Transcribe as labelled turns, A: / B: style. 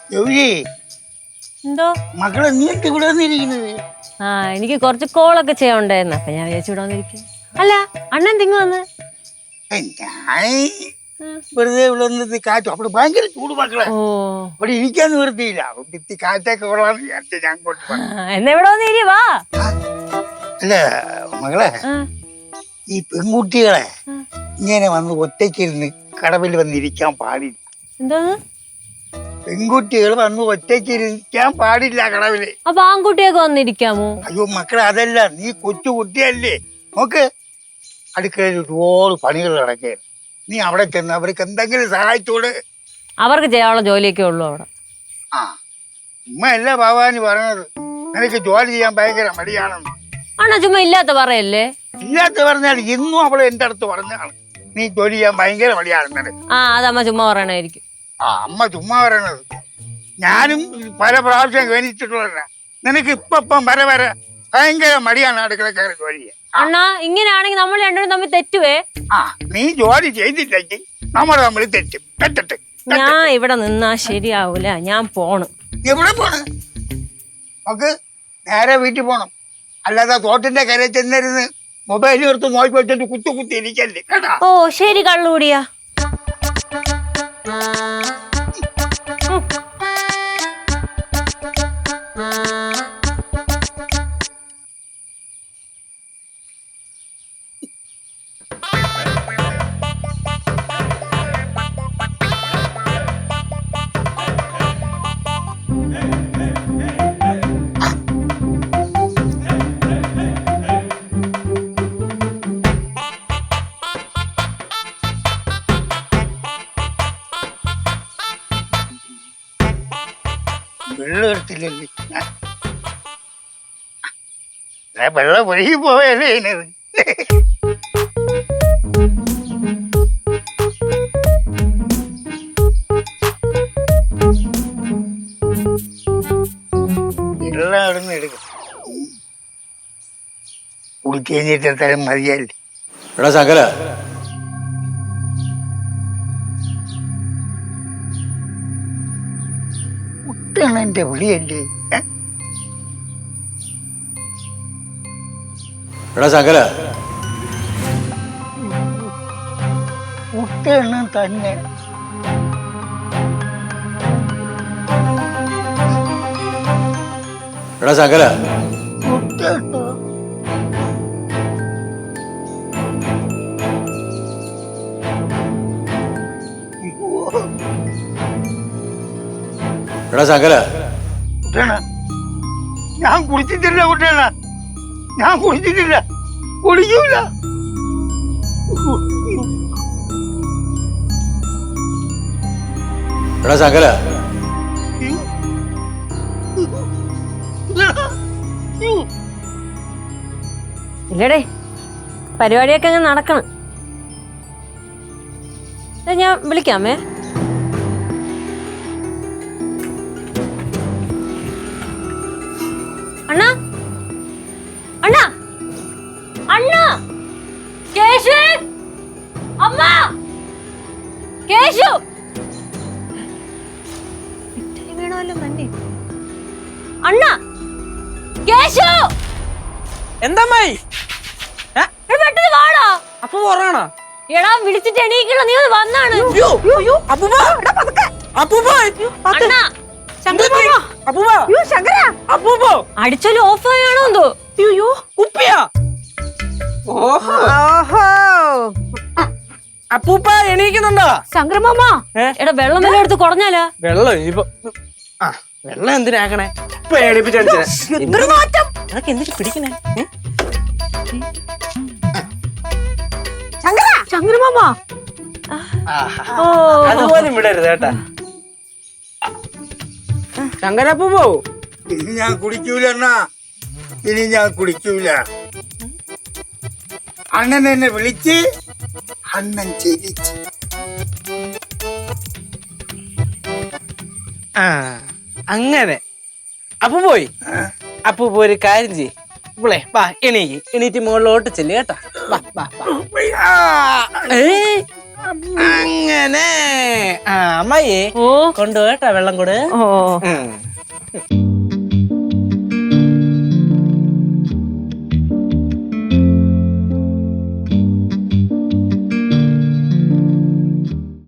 A: എന്തോ
B: മക്കളെ നീ ഇവിടെ വന്നിരിക്കുന്നത്?
A: എനിക്ക് കുറച്ച് കോളൊക്കെ ചെയ്യാണ്ടായിരുന്നു, അപ്പൊ ഞാൻ വിചാരിച്ചു ഇവിടെ വന്നിരിക്കും. അല്ല അണ്ണൻ തിങ്ങ വന്ന്
B: ഞാൻ വെറുതെ ഇവിടെ വന്നത് കാറ്റും അവിടെ ഭയങ്കര ചൂട് മക്കളെ. ഇവിടെ ഇരിക്കാൻ നിവൃത്തിയില്ല, ഭിത്തി കാറ്റൊക്കെ കൊള്ളാന്ന് വിചാരിച്ച ഞാൻ
A: എന്നാ ഇവിടെ വന്ന് വാ.
B: അല്ല മകളെ, ഈ പെൺകുട്ടികളെ ഇങ്ങനെ വന്ന് ഒറ്റയ്ക്കിരുന്ന് കടവിൽ വന്നിരിക്കാൻ പാടില്ല.
A: എന്താ?
B: പെൺകുട്ടികൾ വന്ന് ഒറ്റയ്ക്കിരിക്കാൻ പാടില്ല കടവില്.
A: അപ്പൊ ആൺകുട്ടിയൊക്കെ വന്നിരിക്കാമോ?
B: അയ്യോ മക്കളെ, അതല്ല, നീ കൊച്ചു കുട്ടിയല്ലേ. നോക്ക്, അടുക്കളയിൽ ഒരുപാട് പണികൾ നടക്കേ. നീ അവിടെ ചെന്ന് അവർക്ക് എന്തെങ്കിലും സഹായിച്ചോട്.
A: അവർക്ക് ചെയ്യാനുള്ള ജോലിയൊക്കെ ഉള്ളു അവിടെ.
B: ഉമ്മയല്ല ഭവാനി പറഞ്ഞത് നിനക്ക് ജോലി ചെയ്യാൻ ഭയങ്കര മടിയാണെന്ന്.
A: ആണോ? ചുമ്മാ ഇല്ലാത്ത പറയല്ലേ.
B: ഇല്ലാത്ത പറഞ്ഞാൽ ഇന്നും അവള് എന്റെ അടുത്ത് പറഞ്ഞാണ് നീ ജോലി ചെയ്യാൻ ഭയങ്കര മടിയാണെന്നത്.
A: അതമ്മ ചുമ്മാ പറയണായിരിക്കും.
B: അമ്മ ചുമ്മാ പറയണത്. ഞാനും പല പ്രാവശ്യം ഗണിച്ചിട്ടുള്ള നിനക്ക് ഇപ്പം വരെ ഭയങ്കര മടിയാണ് അടുക്കളക്കാരെ ജോലി ചെയ്യാൻ.
A: അണ്ണാ ഇങ്ങനെയാണെങ്കിൽ നമ്മൾ രണ്ടുപേരും തമ്മിൽ തെറ്റുവേ.
B: നീ ജോലി ചെയ്തില്ലെങ്കിൽ നമ്മൾ തമ്മിൽ തെറ്റട്ടെ.
A: ഞാൻ ഇവിടെ നിന്നാ ശരിയാവൂല, ഞാൻ പോണ്.
B: എവിടെ പോണ്? നമുക്ക് നേരെ വീട്ടിൽ പോണം. അല്ലാതെ തോട്ടിന്റെ കരയിൽ ചെന്നിരുന്ന് മൊബൈൽ എടുത്ത് നോക്കി വെച്ചിട്ട് കുത്തി ഇരിക്കല്ലേ കേട്ടാ.
A: ഓ ശരി, കള്ളുകൂടിയാ.
B: വെള്ളം എടുത്തില്ലല്ലേ? വെള്ളം ഒഴുകി പോയല്ലേ ഇതിനത്. വെള്ളം അവിടുന്ന് എടുക്കും. കുടിക്കഴിഞ്ഞിട്ട് തരം മതിയല്ലേ.
C: എടാ ശങ്കര,
B: എന്റെ വിളിയല്ലേ?
C: എടാ ശങ്കര,
B: കുട്ടണം തന്നെ.
C: എടാ ശങ്കര,
B: കുട്ടണോ?
C: എടാ ശങ്കര,
B: കുട്ടണ, ഞാൻ കുടിച്ചിട്ടില്ല കുട്ടണ, ഞാൻ കുടിച്ചിട്ടില്ല, കുടിക്കൂല.
C: എടാ ശങ്കര,
A: ഇല്ലടേ, പരിപാടിയൊക്കെ അങ്ങ് നടക്കണം. ഞാൻ വിളിക്കാമേ. അണ്ണാ അണ്ണാ അണ്ണാ, കേശു, അമ്മ, കേശു വേണമല്ലോ തന്നെ. അണ്ണാ, കേശു.
D: എന്തായി
A: പെട്ടെന്ന് വാടാ.
D: അപ്പൊ പറയണോ?
A: എടാ വിളിച്ചിട്ട് എണീക്കണോ, നീ ഒന്ന് വന്നാണ്. അടിച്ചാലും ഓഫ് ആയാണോ എന്തോ.
D: കുപ്പിയാ? അപ്പൂപ്പ എണീക്കുന്നുണ്ടോ?
A: ശങ്കരമാമ, എടാ വെള്ളം വല്ല എടുത്ത് കുറഞ്ഞാലാ?
D: വെള്ളം ഇനിയിപ്പോ വെള്ളം എന്തിനാക്കണേ? ഇപ്പൊ എണീപ്പിച്ചു എന്തിനു പിടിക്കണേ?
A: ശങ്കരമാമ
D: അതുപോലും വിടരുത് കേട്ടാ. ശങ്കരപ്പൂപ്പോ,
B: ഇനി ഞാൻ കുടിക്കൂല അണ്ണാ, ഇനി ഞാൻ കുടിക്കൂല. അണ്ണൻ എന്നെ വിളിച്ച് അണ്ണൻ ചിരിച്ച്.
D: അങ്ങനെ അപ്പു പോയി. അപ്പൂപ്പ ഒരു കാര്യം ചെയ്യ്, ഇവളെ വാ, എണീറ്റ് മുകളിലോട്ട് ചെല്ലു കേട്ടാ. വാ വാ വാ. അങ്ങനെ അങ്ങനെ ആ അമ്മായിയെ
A: ഓ
D: കൊണ്ടുപോയിട്ടാ വെള്ളം കൂടെ
A: ഓ
D: ഉം.